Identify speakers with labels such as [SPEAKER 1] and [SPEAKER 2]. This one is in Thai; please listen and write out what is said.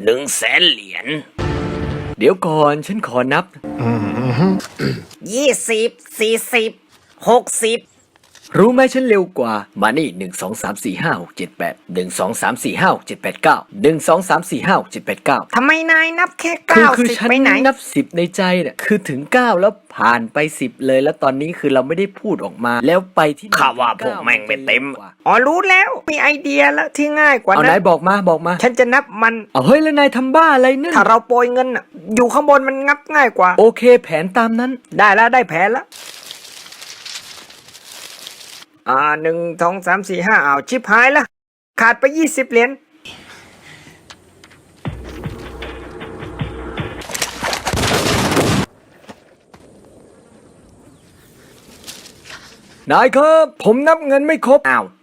[SPEAKER 1] 100,000 เหรียญ
[SPEAKER 2] เดี๋ยวก่อนฉันขอนับ
[SPEAKER 1] 20 40 60
[SPEAKER 2] รู้ไหมฉันเร็วกว่ามานี่1 2 3 4 5 6 7 8 1 2 3 4 5 6 7 8 9
[SPEAKER 1] ทำไมนายนับแค่
[SPEAKER 2] คือ
[SPEAKER 1] 90
[SPEAKER 2] ฉัน
[SPEAKER 1] ไปไหน
[SPEAKER 2] นับ10ในใจเนี่ยคือถึง9แล้วผ่านไป10เลยแล้วตอนนี้คือเราไม่ได้พูดออกมาแล้วไปที่
[SPEAKER 1] ข้าว่าพวกแม่งไม่เต็ม
[SPEAKER 2] กว่า
[SPEAKER 1] อ๋อรู้แล้วมีไอเดียแล้วที่ง่ายกว่า
[SPEAKER 2] เอา
[SPEAKER 1] นั้
[SPEAKER 2] นาย
[SPEAKER 1] น
[SPEAKER 2] บอกมา
[SPEAKER 1] ฉันจะนับมัน
[SPEAKER 2] เอาเฮ้ยแล้วนายทำบ้าอะไรนั่น
[SPEAKER 1] ถ้าเราโปรยเงินน่ะอยู่ข้างบนมันงับง่ายกว่า
[SPEAKER 2] โอเคแผนตามนั้น
[SPEAKER 1] ได้แล้วได้แผนแล้ว1 2 3 4 5อ้าวชิบหายละขาดไป20 เหรียญ
[SPEAKER 2] นายครับผมนับเงินไม่ครบ
[SPEAKER 1] อ้าว